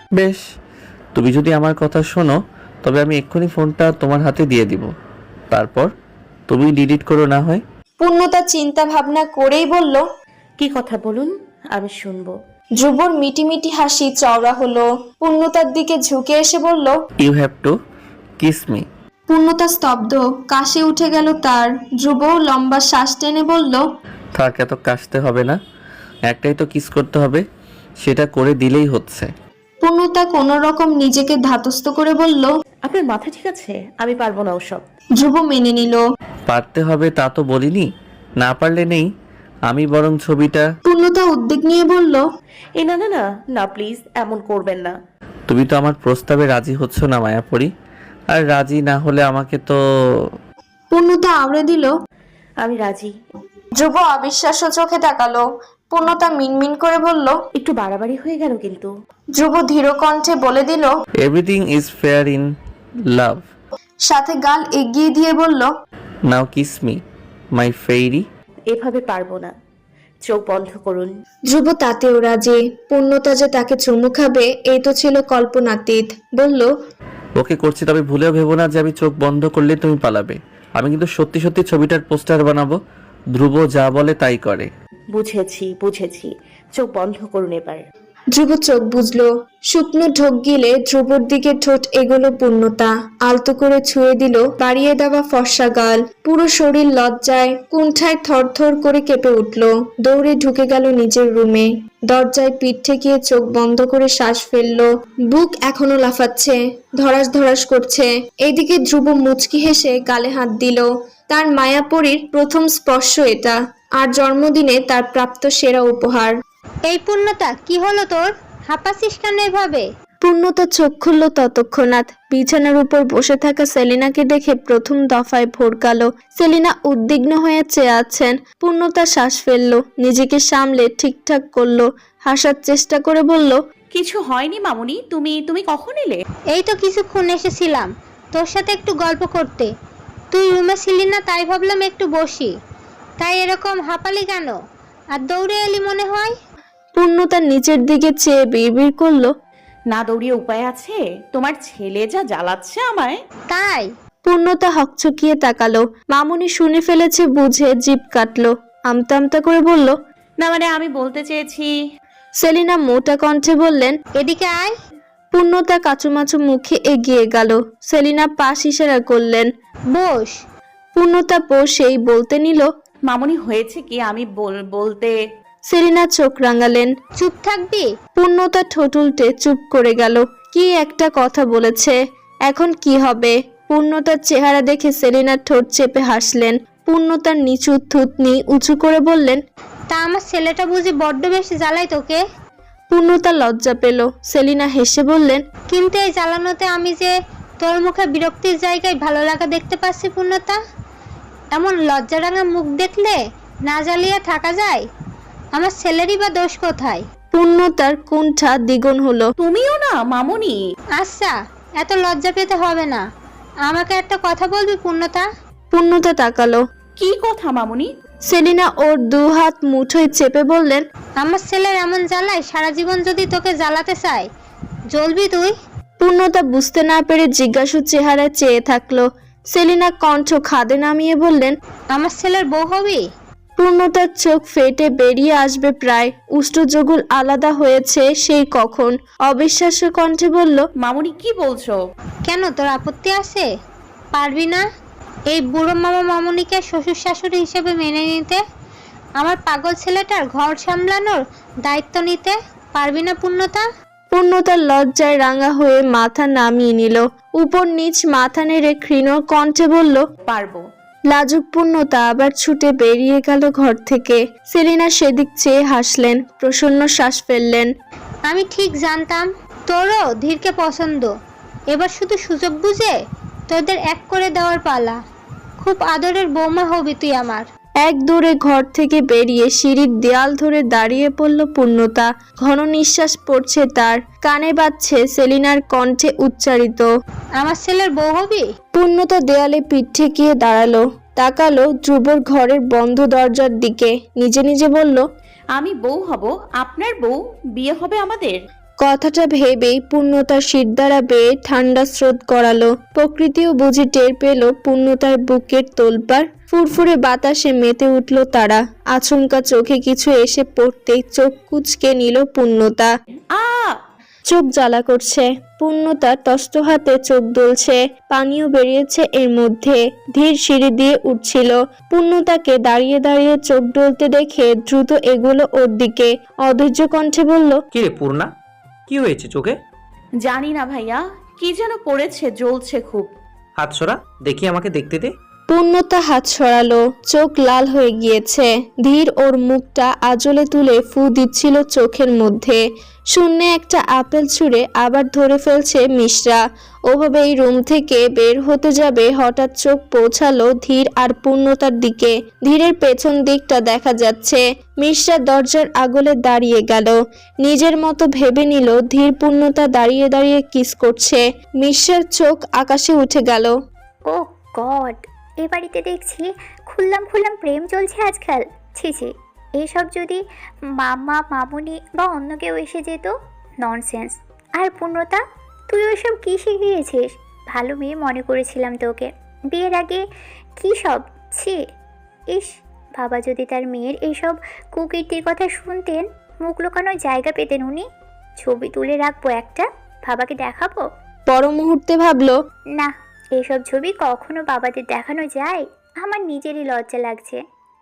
বেশ, তুমি যদি আমার কথা শোনো তবে আমি এক্ষুনি ফোনটা তোমার হাতে দিয়ে দিব, তারপর তুমি ডিলিট করো না হয়। পূর্ণতা চিন্তা ভাবনা করেই বলল। কি কথা বলুন, আমি শুনবো। ধ্রুবর মিটিমিটি হাসি চওড়া হলো। পূর্ণতার দিকে ঝুঁকে এসে বলল, you have to kiss me. পূর্ণতা স্তব্ধ, কাশি উঠে গেল তার। ধ্রুব লম্বা শ্বাস টেনে বলল, থাক, এত কাশতে হবে না, একটাই তো কিস করতে হবে, সেটা করে দিলেই হচ্ছে। পূর্ণতা কোনো রকম নিজেকে ধাতস্থ করে বলল, আপনার মাথা ঠিক আছে? আমি পারবো না ওসব। ধ্রুব মেনে নিল। পারতে হবে তা তো বলিনি, না পারলে নেই, আমি বরং ছবিটা। পূর্ণতা উদ্বেগ নিয়ে বলল, এ না না না না, প্লিজ এমন করবেন না। তুমি তো আমার প্রস্তাবে রাজি হচ্ছ না মায়াপরি, আর রাজি না হলে আমাকে তো। পূর্ণতা আওড়ে দিল। আমি রাজি। ধ্রুব অবিশ্বাস্য চোখে তাকালো। পূর্ণতা মিনমিন করে বলল, একটু বাড়াবাড়ি হয়ে গেল কিন্তু। ধ্রুব ধীর কণ্ঠে বলে দিল, everything is fair in love. সাথে গাল এগিয়ে দিয়ে বলল, now kiss me my fairy. এভাবে পারবো না, চোখ বন্ধ করুন। ধ্রুব তাতেও রাজি। পূর্ণতা যে তাকে চুমু খাবে এই তো ছিল কল্পনাতীত। বলল, ওকে করছি, তবে ভুলেও ভেবো না যে আমি চোখ বন্ধ করলে তুমি পালাবে। আমি কিন্তু সত্যি সত্যি ছবিটার পোস্টার বানাবো। ধ্রুব যা বলে তাই করে। বুঝেছি বুঝেছি, চোখ বন্ধ করুন এবার। ধ্রুব চোখ বুঝলো। শুকনো ঢোক গিলে ধ্রুবর দিকে ঠোঁট এগোলো পূর্ণতা। আলতো করে ছুঁয়ে দিল বাড়িয়ে দেওয়া ফর্সা গাল। পুরো শরীর লজ্জায় কুণ্ঠায় থরথর করে কেঁপে উঠল। দৌড়ে ঢুকে গেল নিজের রুমে। দরজায় পিঠ ঠেকিয়ে চোখ বন্ধ করে শ্বাস ফেললো। বুক এখনো লাফাচ্ছে, ধরাস ধরাস করছে। এইদিকে ধ্রুব মুচকি হেসে গালে হাত দিল। তার মায়াপরীর প্রথম স্পর্শ এটা, আর জন্মদিনে তার প্রাপ্ত সেরা উপহার। এই পূর্ণতা, কি হলো তোর? হাঁপাচ্ছিস কেন এভাবে? পূর্ণতা চোখ খুলল ততক্ষণাৎ। বিছানার উপর বসে থাকা সেলিনাকে দেখে প্রথম দফায় ভড়কালো। সেলিনা উদ্বিগ্ন হয়ে চেয়ে আছেন। পূর্ণতা শ্বাস ফেললো, নিজেকে সামলে ঠিকঠাক করলো। হাসার চেষ্টা করে বলল, কিছু হয়নি মামুনি, তুমি তুমি কখন এলে? এই তো কিছুক্ষণ এসেছিলাম তোর সাথে একটু গল্প করতে। তুই রুমে ছিলি না, তাই ভাবলাম একটু বসি। তাই এরকম হাঁপালি কেন? আর দৌড়ে এলি মনে হয়। পূর্ণতা নিচের দিকে চেয়ে বিড়বিড় করলো, না দৌড়িয়ে উপায় আছে? তোমার ছেলে যা জ্বালাচ্ছে আমায়। তাই? পূর্ণতা হকচকিয়ে তাকালো। মামুনি শুনে ফেলেছে বুঝে জিভ কাটলো। আমতা আমতা করে বলল, না মানে আমি বলতে চেয়েছি। সেলিনা মোটা কণ্ঠে বললেন, এদিকে আয়। পূর্ণতা কাচুমাচু মুখে এগিয়ে গেল। সেলিনা পাশ ইশারা করলেন। বস। পূর্ণতা বসেই বলতে নিল, মামুনি হয়েছে কি, আমি বলতে। সেলিনা চোখ রাঙালেন। চুপ থাকবি? পূর্ণতা ঠোঁট উল্টে চুপ করে গেল। কি একটা কথা বলেছে, এখন কি হবে? পূর্ণতার চেহারা দেখে সেলিনা ঠোঁট চেপে হাসলেন। পূর্ণতার নিচু থুতনি উঁচু করে বললেন, তা আমার ছেলেটা বুঝি বড্ড বেশি জ্বালাই তোকে? পূর্ণতা লজ্জা পেল। সেলিনা হেসে বললেন, কিন্তু এই জ্বালানোতে আমি যে তোর মুখে বিরক্তির জায়গায় ভালো লাগা দেখতে পাচ্ছি পূর্ণতা। এমন লজ্জারাঙা মুখ দেখলে না জ্বালিয়ে থাকা যায়? আমার ছেলেরই বা দোষ কোথায়? পূর্ণতার কুণ্ঠা দ্বিগুণ হলো। তুমিও না মামুনি? আচ্ছা, এত লজ্জা পেতে হবে না। আমাকে একটা কথা বলবি পূর্ণতা? পূর্ণতা তাকালো। কি কথা মামুনি? সেলিনা ওর দু হাত মুঠোয় চেপে বললেন, আমার ছেলের এমন জ্বালায় সারা জীবন যদি তোকে জ্বালাতে চায়, জ্বলবি তুই? পূর্ণতা বুঝতে না পেরে জিজ্ঞাসু চেহারা চেয়ে থাকলো। সেলিনা কণ্ঠ খাদে নামিয়ে বললেন, আমার ছেলের বউ হবি? পূর্ণতার চোখ ফেটে বেরিয়ে আসবে প্রায়। উষ্ট্রজগুল আলাদা হয়েছে সেই কখন। অবিশ্বাস্য কণ্ঠে বলল, মামুনি কি বলছো? কেন, তোর আপত্তি আছে? পারবি না এই বুড়ো মামা মামুনিকে শ্বশুর শাশুড়ি হিসেবে মেনে নিতে? আমার পাগল ছেলেটার ঘর সামলানোর দায়িত্ব নিতে পারবি না পূর্ণতা? পূর্ণতার লজ্জায় রাঙা হয়ে মাথা নামিয়ে নিল। উপর নিচ মাথা নেড়ে ক্ষীণ কণ্ঠে বলল, পারবো। লাজুক পূর্ণতা আবার ছুটে বেরিয়ে গেল ঘর থেকে। সেলিনা সেদিক চেয়ে হাসলেন, প্রসন্ন শ্বাস ফেললেন। আমি ঠিক জানতাম তোরও ধীরকে পছন্দ। এবার শুধু সুযোগ বুঝে তোদের এক করে দেওয়ার পালা। খুব আদরের বৌমা হবি তুই আমার। এক দৌড়ে ঘর থেকে বেরিয়ে সিঁড়ির দেয়াল ধরে দাঁড়িয়ে পড়ল পূর্ণতা। ঘন নিঃশ্বাস পড়ছে তার, কানে বাজছে সেলিনার কণ্ঠে উচ্চারিত, আমার ছেলের বউ হবি? পূর্ণতা দেয়ালে পিঠ ঠেকিয়ে দাঁড়ালো। তাকালো ধ্রুবর ঘরের বন্ধ দরজার দিকে। নিজে নিজে বলল, আমি বউ হব, আপনার বউ, বিয়ে হবে আমাদের। কথাটা ভেবেই পূর্ণতার শিরদাঁড়া বেয়ে ঠান্ডা স্রোত গড়ালো। প্রকৃতিও বুঝি টের পেল পূর্ণতার বুকের তোলপাড়। ফুরফুরে বাতাসে মেতে উঠল তারা। আচমকা চোখে কিছু এসে পড়তেই চোখ কুঁচকে নিল পূর্ণতা। আ চোখ জ্বালা করছে। পূর্ণতা তস্ত হাতে চোখ দুলছে, পানিও বেরিয়েছে এর মধ্যে। ধীর সিঁড়ি দিয়ে উঠছিল। পূর্ণতাকে দাঁড়িয়ে দাঁড়িয়ে চোখ ডলতে দেখে দ্রুত এগোলো ওর দিকে। অধৈর্য কণ্ঠে বলল, কিরে পূর্ণা, কি হয়েছে চোখে? জানি না ভাইয়া, কি যেন পড়েছে, জ্বলছে খুব। হাত সরা দেখি, আমাকে দেখতে দে। পূর্ণতা হাত সরালো, চোখ লাল হয়ে গিয়েছে। ধীর ওর মুখটা আঁচলে তুলে ফু দিচ্ছিল চোখের মধ্যে। শূন্যে একটা আপেল ছুঁড়ে আবার ধরে ফেলছে মিশ্রা। ওভাবে এই রুম থেকে বের হতে যাবে, হঠাৎ চোখ পৌঁছালো ধীর আর পূর্ণতার দিকে। ধীরের পেছন দিকটা দেখা যাচ্ছে। মিশ্রা দরজার আগলে দাঁড়িয়ে গেল। নিজের মতো ভেবে নিল ধীর পূর্ণতা দাঁড়িয়ে দাঁড়িয়ে কিস করছে। মিশ্রার চোখ আকাশে উঠে গেল। ও গড, এ বাড়িতে দেখছি খুললাম প্রেম চলছে আজকাল। ছি ছি, এসব যদি মামা মামুনি বা অন্য কেউ এসে যেত, ননসেন্স। আর পূর্ণতা, তুই ওইসব কী শিখিয়েছিস? ভালো মেয়ে মনে করেছিলাম তোকে বিয়ের আগে। কী সব, ছি। ইস, বাবা যদি তার মেয়ের এইসব কুকীর্তির কথা শুনতেন, মুখ লুকানোর জায়গা পেতেন উনি। ছবি তুলে রাখবো একটা, বাবাকে দেখাবো। পর মুহূর্তে ভাবলো, না, এইসব ছবি কখনো বাবাদের দেখানো যায়? আমার নিজেরই লজ্জা লাগছে।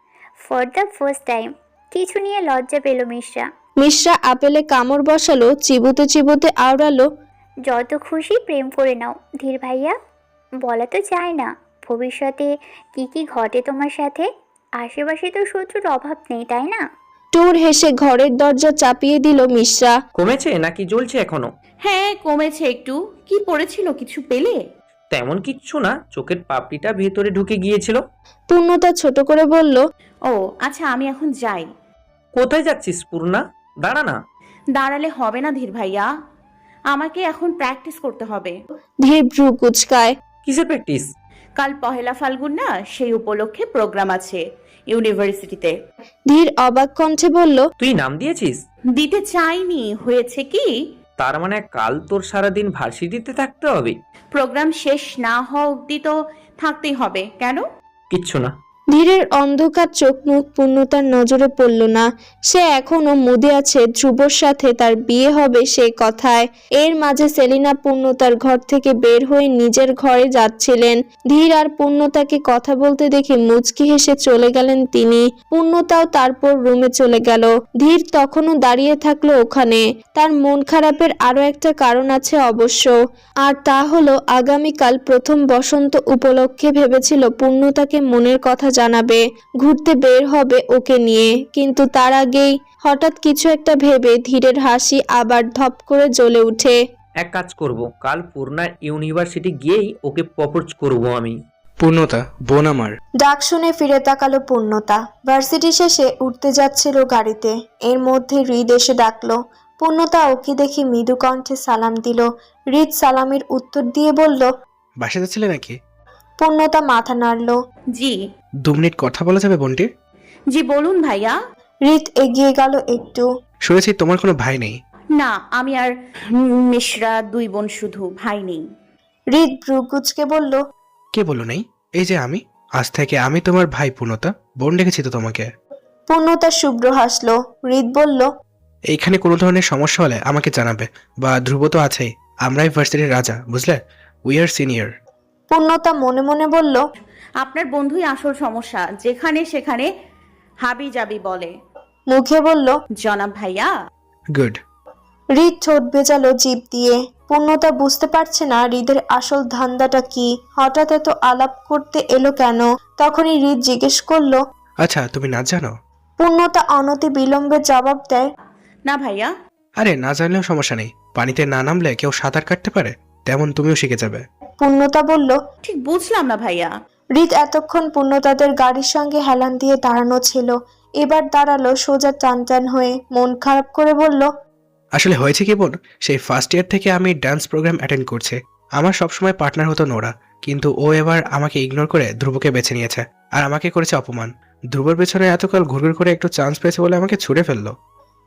ফর দ্য ফার্স্ট টাইম কিছু নিয়ে লজ্জা পেল মিশ্রা। মিশ্রা আপেলে কামড় বসালো, চিবোতে চিবোতে আওড়ালো, যত খুশি প্রেম করে নাও ধীর ভাইয়া, বলা তো যায় না ভবিষ্যতে কি কি ঘটে তোমার সাথে। আশেপাশে তো শত্রুর অভাব নেই, তাই না? টুর হেসে ঘরের দরজা চাপিয়ে দিল মিশ্রা। কমেছে নাকি জ্বলছে এখনো? হ্যাঁ, কমেছে একটু। কি পড়েছিল, কিছু পেলে? তেমন কিচ্ছু না, চোখের পাপড়িটা ভেতরে ঢুকে গিয়েছিল। পূর্ণতা ছোট করে বলল, ও আচ্ছা, আমি এখন যাই। কোথায় যাচ্ছিস পূর্ণা? দাঁড়া না। দাঁড়ালে হবে না ধীর ভাইয়া, আমাকে এখন প্র্যাকটিস করতে হবে। ধীর ভ্রু কুচকায়। কিসের প্র্যাকটিস? কাল পহেলা ফাল্গুন না, সেই উপলক্ষে প্রোগ্রাম আছে ইউনিভার্সিটিতে। ধীর অবাক কণ্ঠে বলল, তুই নাম দিয়েছিস? দিতে চাইনি, হয়েছে কি, তার মানে কাল তোর সারাদিন ভার্সিটিতে থাকতে হবে? প্রোগ্রাম শেষ না হওয়া অবধি তো থাকতেই হবে। কেন? কিচ্ছু না। ধীরের অন্ধকার চোখ মুখ পূর্ণতার নজরে পড়ল না। সে এখনো মুদে আছে ধ্রুবর সাথে তার বিয়ে হবে সে কথায়। এর মাঝে সেলিনা পূর্ণতার ঘর থেকে বের হয়ে নিজের ঘরে যাচ্ছিলেন। ধীর আর পূর্ণতাকে কথা বলতে দেখে মুচকি হেসে চলে গেলেন তিনি। পূর্ণতাও তারপর রুমে চলে গেল। ধীর তখনও দাঁড়িয়ে থাকলো ওখানে। তার মন খারাপের আরো একটা কারণ আছে অবশ্য, আর তা হলো আগামীকাল প্রথম বসন্ত উপলক্ষে ভেবেছিল পূর্ণতাকে মনের কথা জানাবে, ঘুরতে বের হবে ওকে নিয়ে। কিন্তু তার আগেই হঠাৎ কিছু একটা ভেবে ধীরের হাসি আবার ধপ করে জ্বলে উঠে। এক কাজ করব, কাল পূর্ণার ইউনিভার্সিটি গিয়েই ওকে প্রপোজ করব আমি। পূর্ণতা, বোন আমার। ডাক শুনে ফিরে তাকালো পূর্ণতা। ভার্সিটি শেষে উঠতে যাচ্ছিল গাড়িতে, এর মধ্যে হৃদ এসে ডাকলো। পূর্ণতা ওকে দেখে মৃদু কণ্ঠে সালাম দিল। হৃদ সালামের উত্তর দিয়ে বলল, বাসা যাচ্ছিলে নাকি? পূর্ণতা মাথা নাড়ল। জি। 2 মিনিট কথা বলা যাবে বোনটি? জি বলুন ভাইয়া। হৃদ এগিয়ে গেল একটু। শুনেছি তোমার কোনো ভাই নেই। না, আমি আর মিশ্রা 2 বোন, শুধু ভাই নেই। হৃদ ভ্রু কুচকে বলল, কে বলো নেই? এই যে আমি, আজ থেকে আমি তোমার ভাই পূর্ণতা, বোন ডেকেছি তো তোমাকে। পূর্ণতা শুভ্র হাসলো। হৃদ বলল, এইখানে কোনো ধরনের সমস্যা হলে আমাকে জানাবে, বা ধ্রুব তো আছেই, আমরাই ভার্সিটির রাজা, বুঝলে? We are senior. পূর্ণতা মনে মনে বলল, আপনার বন্ধুই আসল সমস্যা, যেখানে সেখানে হাবি জাবি বলে। মুখে বলল, জনাব ভাইয়া। গুড। হৃদ ঠোঁট ভেজালো জিভ দিয়ে। পূর্ণতা বুঝতে পারছে না হৃদের আসল ধান্দাটা কি, হঠাৎ এত আলাপ করতে এলো কেন। তখনই হৃদ জিজ্ঞেস করলো, আচ্ছা, তুমি নাচ জানো? পূর্ণতা অনতি বিলম্বে জবাব দেয়, না ভাইয়া। আরে না জানলেও সমস্যা নেই, পানিতে না নামলে কেউ সাঁতার কাটতে পারে, তেমন তুমিও শিখে যাবে। পূর্ণতা বলল। ঠিক বুঝলাম না ভাইয়া। হৃদ এতক্ষণ পূর্ণতাদের গাড়ির সঙ্গে হেলান দিয়ে দাঁড়ানো ছিল, এবার দাঁড়ালো সোজা টান টান হয়ে। মন খারাপ করে বলল, আসলে হয়েছে কি বোন, সেই ফার্স্ট ইয়ার থেকে আমি ডান্স প্রোগ্রাম অ্যাটেন্ড করছি। আমার সবসময় পার্টনার হতো নোরা, কিন্তু ও এবার আমাকে ইগনোর করে ধ্রুবকে বেছে নিয়েছে, আর আমাকে করেছে অপমান। ধ্রুবর পেছনে এতকাল ঘুরঘুর করে একটু চান্স পেয়েছে বলে আমাকে ছুড়ে ফেললো।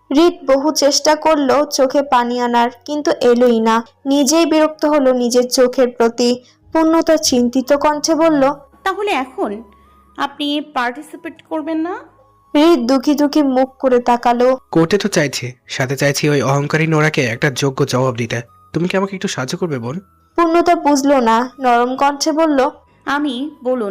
হৃদ বহু চেষ্টা করলো চোখে পানি আনার, কিন্তু এলোই না। নিজেই বিরক্ত হলো নিজের চোখের প্রতি। পূর্ণতা চিন্তিত কণ্ঠে বলল, তাহলে এখন আপনি পার্টিসিপেট করবেন না? হৃদ দুঃখী দুঃখী মুখ করে তাকালো। করতে তো চাইছি, সাথে চাইছি ওই অহংকারী নোরাকে একটা যোগ্য জবাব দিতে। তুমি কি আমাকে একটু সাহায্য করবে বোন? পূর্ণতা বুঝলো না, নরম কণ্ঠে বলল, আমি বলুন,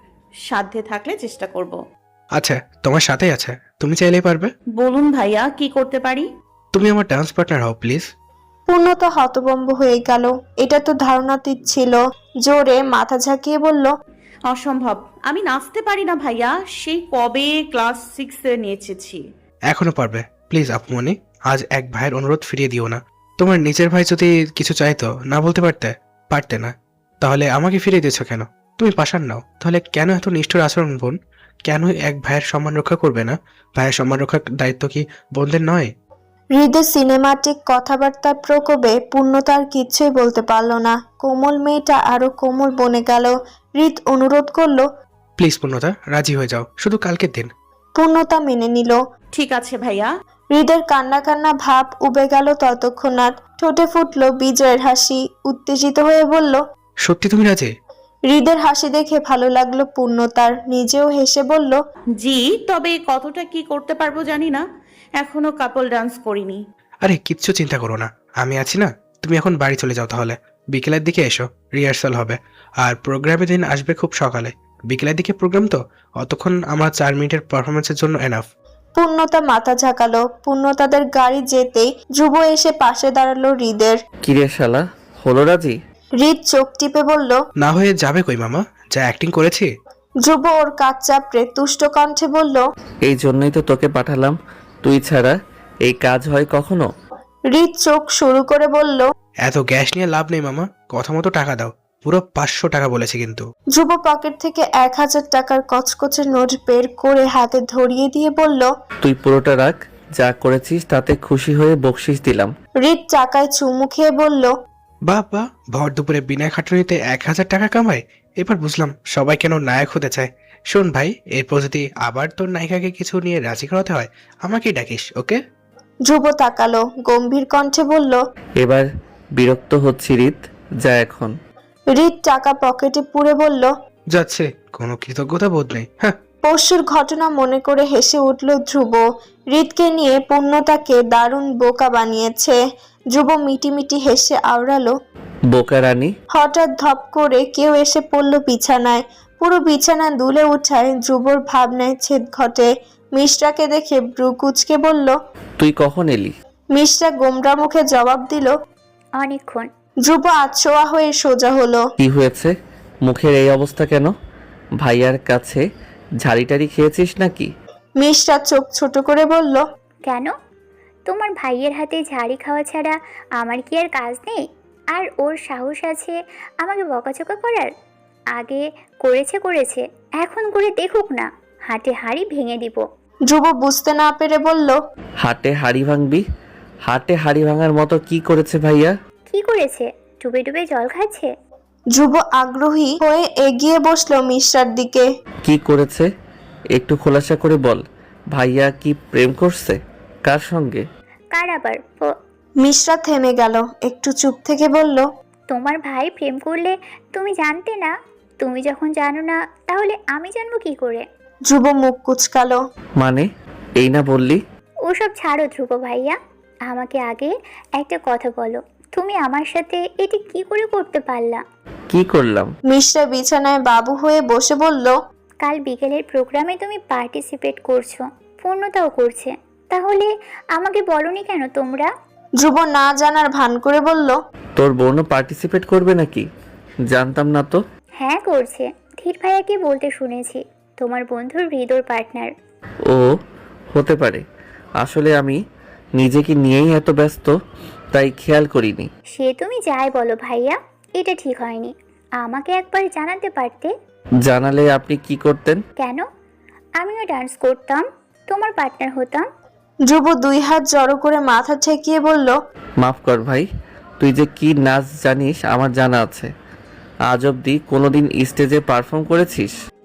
সাধ্যে থাকলে চেষ্টা করব। আচ্ছা, তোমার সাথেই আছে, তুমি চাইলেই পারবে। বলুন ভাইয়া, কি করতে পারি? তুমি আমার ডান্স পার্টনার হও প্লিজ। পূর্ণতা হতভম্ব হয়ে গেল। এটা তো ধারণাতীত ছিল। জোরে মাথা ঝাঁকিয়ে বলল, অসম্ভব, আমি নাচতে পারি না ভাইয়া। সেই কবে ক্লাস 6-এ নিয়ে এসেছি। এখনো পারবে প্লিজ আপুমনি। আজ এক ভাইয়ের অনুরোধ ফিরিয়ে দিও না। তোমার নিজের ভাই যদি কিছু চাইতো না বলতে পারতে না, তাহলে আমাকে ফিরিয়ে দিয়েছো কেন? তুমি পাশান নাও, তাহলে কেন এত নিষ্ঠুর আচরণ বোন? কেন এক ভাইয়ের সম্মান রক্ষা করবে না? ভাইয়ের সম্মান রক্ষার দায়িত্ব কি বোনদের নয়? হৃদয় সিনেমাটিক কথাবার্তার প্রকোপে পূর্ণতার কিচ্ছুই বলতে পারল না। কোমল মেয়েটা আরো কোমল বনে গেল। হৃদ অনুরোধ করলো, প্লিজ পূর্ণতা, রাজি হয়ে যাও, শুধু কালকের দিন। পূর্ণতা মেনে নিল। ঠিক আছে ভাইয়া। হৃদের কান্না কান্না ভাব উবে গেল ততক্ষণাৎ। ঠোঁটে ফুটলো বিজয়ের হাসি। উত্তেজিত হয়ে বলল, সত্যি তুমি রাজি? হৃদের হাসি দেখে ভালো লাগলো পূর্ণতার। নিজেও হেসে বলল, জি, তবে কতটা কি করতে পারবো জানি না, এখনো কাপল ডান্স করিনি। আরে কিচ্ছু চিন্তা করো না, আমি আছি না। তুমি এখন বাড়ি চলে যাও, তাহলে বিকেলের দিকে এসো, রিহার্সাল হবে। আর প্রোগ্রামের দিন আসবে খুব সকালে। বিকেলের দিকে প্রোগ্রাম তো, অতক্ষণ আমার 4 মিনিটের পারফরমেন্সের জন্য এনাফ। পূর্ণতা মাথা ঝাঁকালো। পূর্ণতাদের গাড়ি যেতেই ধ্রুব এসে পাশে দাঁড়ালো হৃদের। কিরে শালা, হলো রাজি? হৃদ চোখ টিপে বলল, না হয়ে যাবে কই মামা, যা অ্যাক্টিং করেছি। ধ্রুব ওর কাজ চাপড়ে তুষ্ট কণ্ঠে বলল, এই জন্যই তো তোকে পাঠালাম, তুই ছাড়া এই কাজ হয় কখনো? হৃদ চোখ শুরু করে বলল, এত গ্যাস নিয়ে লাভ নেই মামা, কথা মতো টাকা দাও। পুরো 500 টাকা বলেছি কিন্তু। ধ্রুব পকেট থেকে 1000 টাকার কচকচে নোট বের করে হাতে ধরিয়ে দিয়ে বলল, তুই পুরোটা রাখ, যা করেছিস তাতে খুশি হয়ে বকশিস দিলাম। হৃদ চাকায় চুমু খেয়ে বলল, বাবা, ভর দুপুরে বিনা খাটুনিতে 1000 টাকা কামায়। এবার বুঝলাম সবাই কেন নায়ক হতে চায়। শোন ভাই, এরপর যদি আবার তোর নায়িকাকে কিছু নিয়ে রাজি করাতে হয়, আমাকেই ডাকিস, ওকে? ধ্রুব তাকালো, গম্ভীর কণ্ঠে বলল, এবার বিরক্ত হচ্ছি রিত, যা এখন। হৃদ টাকা পকেটে পুরে বলল, যাচ্ছে, কোনো কৃতজ্ঞতা বোধ নেই। হ্যাঁ, পরশুর ঘটনা মনে করে হেসে উঠল ধ্রুব। হৃদকে নিয়ে পূর্ণতাকে দারুণ বোকা বানিয়েছে। ধ্রুব মিটিমিটি হেসে আওড়ালো, বোকা রানী। হঠাৎ ধপ করে কেউ এসে পড়ল বিছানায়। পুরো বিছানা দুলে উঠায় ধ্রুবর ভাবনায় ছেদ ঘটে। মিশ্রাকে দেখে ব্রু কুচকে বলল, তুই কখন এলি? মিশ্রা গোমরা মুখে জবাব দিল। অনেকক্ষণ। ধ্রুব আছোয়া হয়ে সোজা হলো। কি হয়েছে, মুখের এই অবস্থা কেন? ভাইয়ার কাছে ঝাড়িটারি খেয়েছিস নাকি? মিশ্রা চোখ ছোট করে বলল, কেন? তোমার ভাইয়ের হাতে ঝাড়ি খাওয়া ছাড়া আমার কি আর কাজ নেই? আর ওর সাহস আছে আমাকে বকাচকা করার? আগে করেছে, এখন করে দেখুক না, হাটে হাড়ি ভেঙে দিব। ধ্রুব বুঝতে না পেরে বলল, হাটে হাড়ি ভাঙবি? হাটে হাড়ি ভাঙার মতো কি করেছে ভাইয়া? কি করেছে? ডুবে ডুবে জল খাচ্ছে? ধ্রুব আগ্রহী হয়ে এগিয়ে বসলো মিশ্রার দিকে। কি করেছে একটু খোলাসা করে বল। ভাইয়া কি প্রেম করছে? কার সঙ্গে? কার আবার? মিশ্রা থেমে গেল, একটু চুপ থেকে বলল, তোমার ভাই প্রেম করলে তুমি জানতে না? তুমি যখন জানো না, তাহলে আমি জানবো কি করে? ধ্রুব মুখ কুচকালো। মানে এই না বললি? ওসব ছাড়ো ধ্রুব ভাইয়া, আমাকে আগে একটা কথা বলো, তুমি আমার সাথে এটি কি করে করতে পারলা? কি করলাম? মিশ্রা বিছানায় বাবু হয়ে বসে বলল, কাল বিকেলের প্রোগ্রামে তুমি পার্টিসিপেট করছো, পূর্ণতাও করছে, তাহলে আমাকে বলনি কেন তোমরা? ধ্রুব না জানার ভান করে বলল, তোর বোনও পার্টিসিপেট করবে নাকি? জানতাম না তো। হ্যাঁ করছে, ধীর ভাইয়াকে বলতে শুনেছি, তোমার বন্ধুর হৃদয় পার্টনার। ও হতে পারে, আসলে আমি নিজেকে নিয়েই এত ব্যস্ত, তাই খেয়াল করিনি। সে তুমি যাই বলো ভাইয়া, এটা ঠিক হয়নি, আমাকে একবার জানাতে পারতে। জানালে আপনি কি করতেন? কেন? আমিও ডান্স করতাম, তোমার পার্টনার হতাম। ধ্রুব 2 হাত জড়ো করে মাথা ঠেকিয়ে বলল, মাফ কর ভাই, তুই যে কি নাচ জানিস আমার জানা আছে। আজ অবধি কোনোদিন স্টেজে পারফর্ম করেছিস?